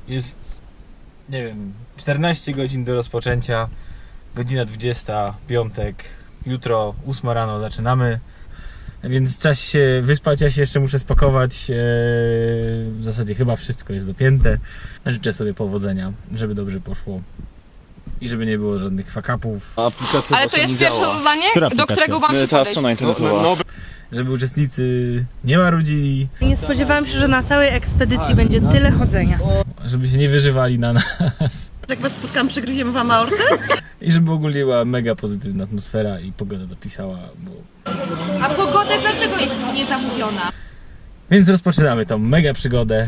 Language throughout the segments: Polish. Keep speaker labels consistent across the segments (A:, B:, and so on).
A: Jest, nie wiem, 14 godzin do rozpoczęcia. Godzina 20, piątek. Jutro 8 rano zaczynamy. Więc czas się wyspać, ja się jeszcze muszę spakować. W zasadzie chyba wszystko jest dopięte. Życzę sobie powodzenia, żeby dobrze poszło. I żeby nie było żadnych fuck-upów.
B: Ale to jest pierwsze zadanie, do którego mam się
C: Ta
B: podejść.
C: strona internetowa.
A: Żeby uczestnicy nie marudzili.
D: Nie spodziewałam się, że na całej ekspedycji będzie tyle chodzenia.
A: Żeby się nie wyżywali na nas.
E: Jak was spotkam, przygryziemy wam aortę?
A: I żeby ogólnie była mega pozytywna atmosfera i pogoda dopisała.
B: A pogoda dlaczego jest niezamówiona?
A: Więc rozpoczynamy tą mega przygodę.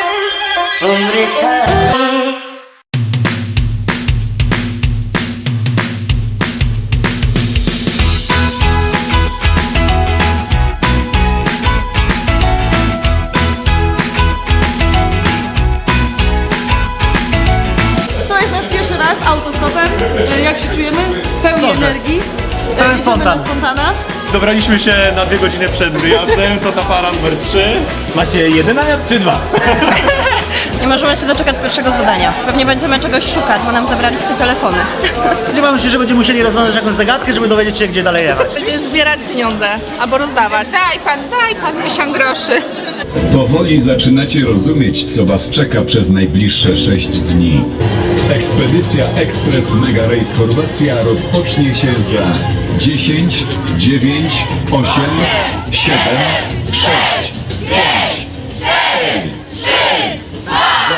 D: To jest nasz pierwszy raz autostopem. Jak się czujemy? Pełni energii.
C: To jest spontan.
D: Spontana.
C: Dobraliśmy się na 2 godziny przed wyjazdem, to ta para numer 3.
A: Macie jeden namiot czy dwa?
E: Nie możemy się doczekać pierwszego zadania. Pewnie będziemy czegoś szukać, bo nam zabraliście telefony.
F: Spodziewamy się, że będziemy musieli rozwiązać jakąś zagadkę, żeby dowiedzieć się, gdzie dalej jechać.
B: Będziemy zbierać pieniądze albo rozdawać. Daj pan 1000 groszy.
G: Powoli zaczynacie rozumieć, co was czeka przez najbliższe 6 dni. Ekspedycja Express Mega Race Chorwacja rozpocznie się za 10, 9, 8, 7, 6, 5, 4, 3, 2,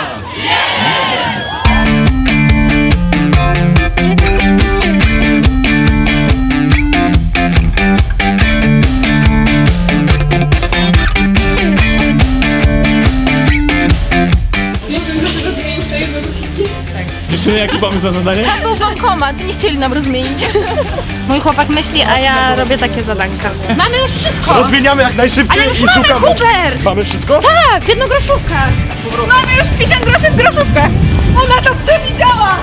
G: 1.
C: Dziewczyny, jaki pomysł na zadanie?
D: Był bankomat, nie chcieli nam rozmienić. Mój chłopak myśli, a ja robię takie zadanka. Mamy już wszystko!
C: Rozmieniamy jak najszybciej
D: Ale już
C: i
D: mamy,
C: szukamy.
D: Hubert!
C: Mamy wszystko?
D: Tak, w jednogroszówkach.
B: Mamy już 50 groszy w groszówkę. Ona to przewidziała.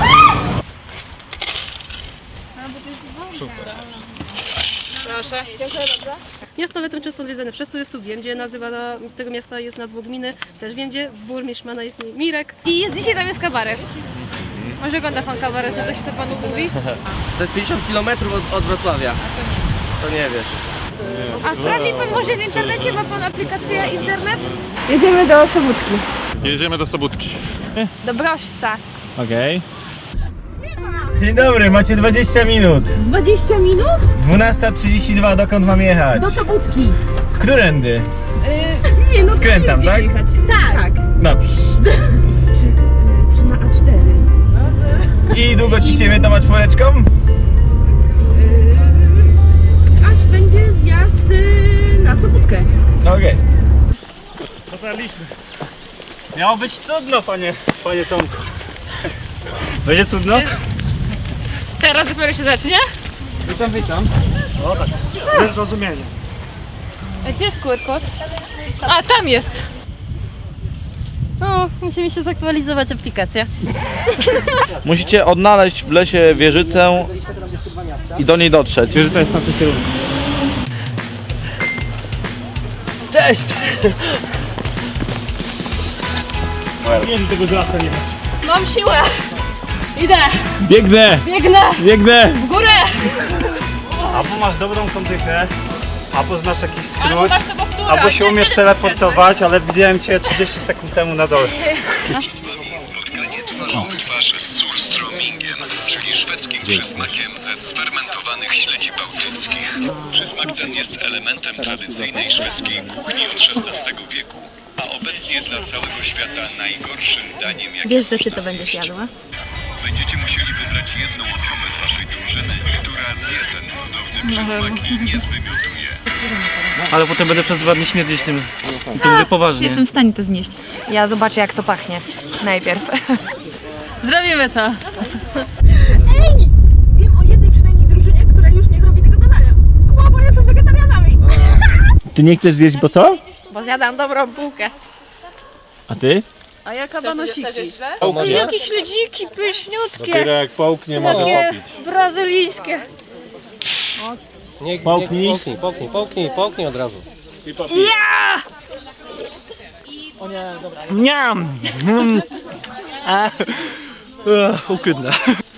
B: Proszę. Dziękuję bardzo.
D: Miasto Letno często odwiedzane przez turystów. Wiem, gdzie nazywa tego miasta jest nazwą gminy. Też wiem, gdzie burmistrz ma na imię Mirek.
B: I dzisiaj tam jest kabaret. Może ogląda pan kabaret, to coś to panu mówi?
H: To jest 50 km od Wrocławia. To nie wiesz.
B: A sprawdzi pan może w internecie, ma pan aplikację Internet?
D: Jedziemy do Sobótki.
C: Jedziemy do Sobótki.
B: Do Brośca.
A: Okej. Dzień dobry, macie 20 minut.
E: 20 minut?
A: 12:32, dokąd mam jechać?
E: Do Sobótki.
A: Którędy?
E: Nie no,
A: Skręcam, tak?
E: Tak.
A: Dobrze.
E: Czy na A4?
A: I długo ciśniemy tą czwóreczką?
E: Aż będzie zjazd na Sobótkę.
A: Okej.
F: Dotarliśmy. Miało być cudno, panie Tomku. Będzie cudno?
B: Teraz dopiero się zacznie?
F: Witam, witam. O tak, ze zrozumieniem.
B: A gdzie jest QR-kod? A, tam jest.
E: No, musimy się zaktualizować aplikację.
H: Musicie odnaleźć w lesie wieżycę i do niej dotrzeć.
C: Wieżyca jest na tym kierunku.
H: Cześć!
C: Nie wiem, tego żelazka nie masz.
B: Mam siłę. Idę.
C: Biegnę!
B: Biegnę.
C: Biegnę!
B: W górę.
F: Albo masz dobrą kondychę, albo znasz jakiś
B: Albo
F: skrót,
B: masz sobowtóra.
F: albo się umiesz teleportować, ale widziałem cię 30 sekund temu na dole.
G: Spotkanie twarzą w twarz z surströmmingen, czyli szwedzkim przysmakiem ze sfermentowanych śledzi bałtyckich. Przysmak ten jest elementem tradycyjnej szwedzkiej kuchni od XVI wieku, a obecnie dla całego świata najgorszym daniem, jakie
D: Wiesz, że ty
G: można
D: to będziesz
G: zjeść.
D: jadła?
G: Będziecie musieli wybrać jedną osobę z waszej drużyny, która zje ten cudowny przysmak i nie zwymiotuje.
H: Ale potem będę przez 2 dni śmierdzić tym. I to mówię poważnie.
D: Jestem w stanie to znieść. Ja zobaczę, jak to pachnie. Najpierw.
E: Zrobimy to.
I: Wiem o jednej przynajmniej drużynie, która już nie zrobi tego zadania. Bo one są wegetarianami.
C: Ty nie chcesz zjeść, bo co?
B: Bo zjadam dobrą bułkę.
C: A ty?
D: A ja kabanosiki.
B: Jakie śledziki pyszniutkie.
C: Dopiero jak połknie, może
B: Takie
C: popić.
B: brazylijskie.
C: Połknij.
H: Połknij od razu.
B: Ja!
H: Niam! Ukrytne.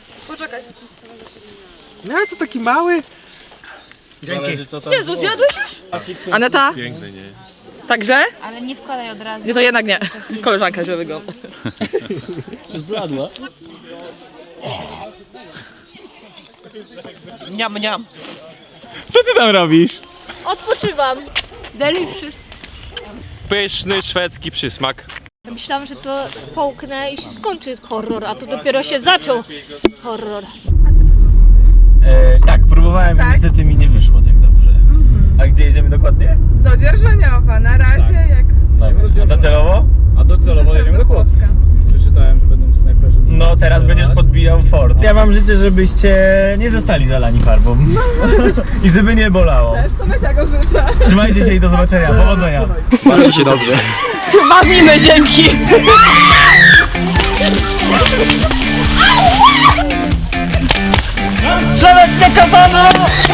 J: No to taki mały.
I: Jezu, zjadłeś już? Aneta?
C: Piękny, nie?
I: Także?
B: Ale nie wkładaj od razu.
I: Nie, to jednak nie. Koleżanka źle wygląda.
H: Zbladła.
J: Niam, niam.
A: Co ty tam robisz?
B: Odpoczywam. Delicious.
C: Pyszny szwedzki przysmak.
B: Myślałam, że to połknę i się skończy horror, a tu dopiero się zaczął horror.
A: Tak, próbowałem i niestety mi nie wyszło tak dobrze. A gdzie jedziemy dokładnie?
I: Do Dzierżoniowa, na razie jak...
A: Dobra. A docelowo?
F: A docelowo jedziemy do Kłodzka. Już przeczytałem, że będą snajperzy.
A: No teraz będziesz podbijał fort. Ja wam życzę, żebyście nie zostali zalani farbą. I żeby nie bolało.
I: Też sobie tego życzę.
A: Trzymajcie się i do zobaczenia. Powodzenia.
H: Bawcie się dobrze.
I: Bawimy, dzięki.
A: Strzelać na katana!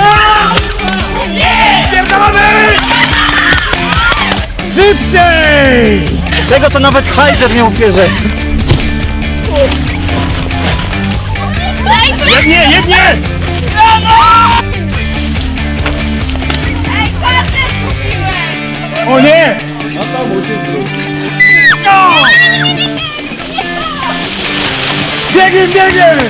A: Szybciej!
F: Tego to nawet Heiser nie ubierze.
A: Jednie, jednie! O nie! Biegiem, biegiem!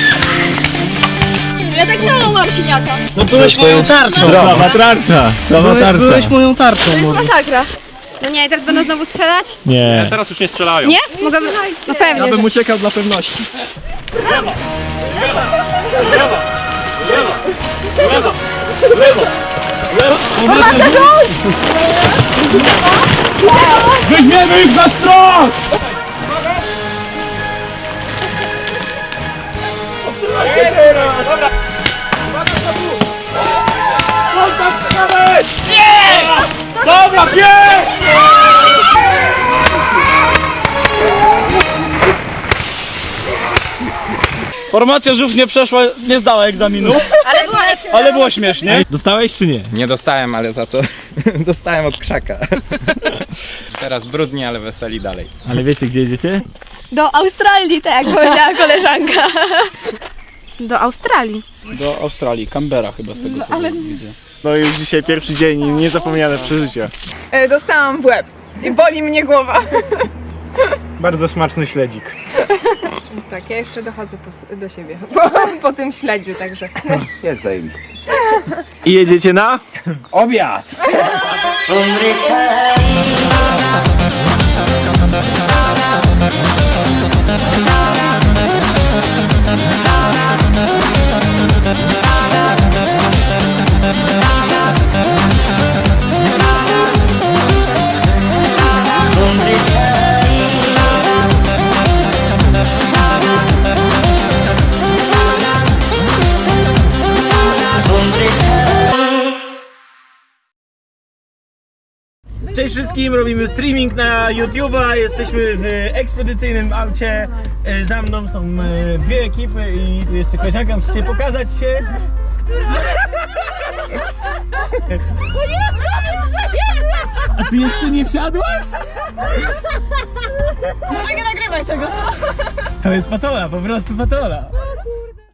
I: Ja tak samo mam siniaka.
F: No byłeś moją tarczą.
A: Prawa tarcza! Prawa tarcza!
F: Byłeś moją tarczą.
I: To jest masakra.
B: No nie, teraz będą znowu strzelać?
A: Nie.
C: Teraz już nie strzelają.
B: Nie? Mogę... No pewnie.
F: Ja bym uciekał dla pewności.
A: Weźmiemy ich za stron! Dobra, bieg!
H: Formacja żółw nie przeszła, nie zdała egzaminu,
B: Ale była ekstra.
H: ale było śmiesznie.
A: Dostałeś czy nie?
K: Nie dostałem, ale za to dostałem od krzaka. Teraz brudni, ale weseli dalej.
A: Ale wiecie gdzie jedziecie?
B: Do Australii, tak jak powiedziała koleżanka.
I: Do Australii.
H: Do Australii, Canberra chyba z tego co widzę.
F: No już dzisiaj pierwszy dzień i niezapomniane przeżycia.
I: Dostałam w łeb i boli mnie głowa.
F: Bardzo smaczny śledzik.
I: Tak, ja jeszcze dochodzę do siebie po tym śledziu, także.
K: Jest zajebiście.
A: I jedziecie na?
F: Obiad!
A: Cześć wszystkim, robimy streaming na YouTube'a, jesteśmy w ekspedycyjnym aucie, za mną są dwie ekipy i tu jeszcze koleżanka, musicie pokazać się.
I: O Jezu,
A: A ty jeszcze nie wsiadłaś?
I: mogę nagrywać tego, co?
A: To jest patola, po prostu patola.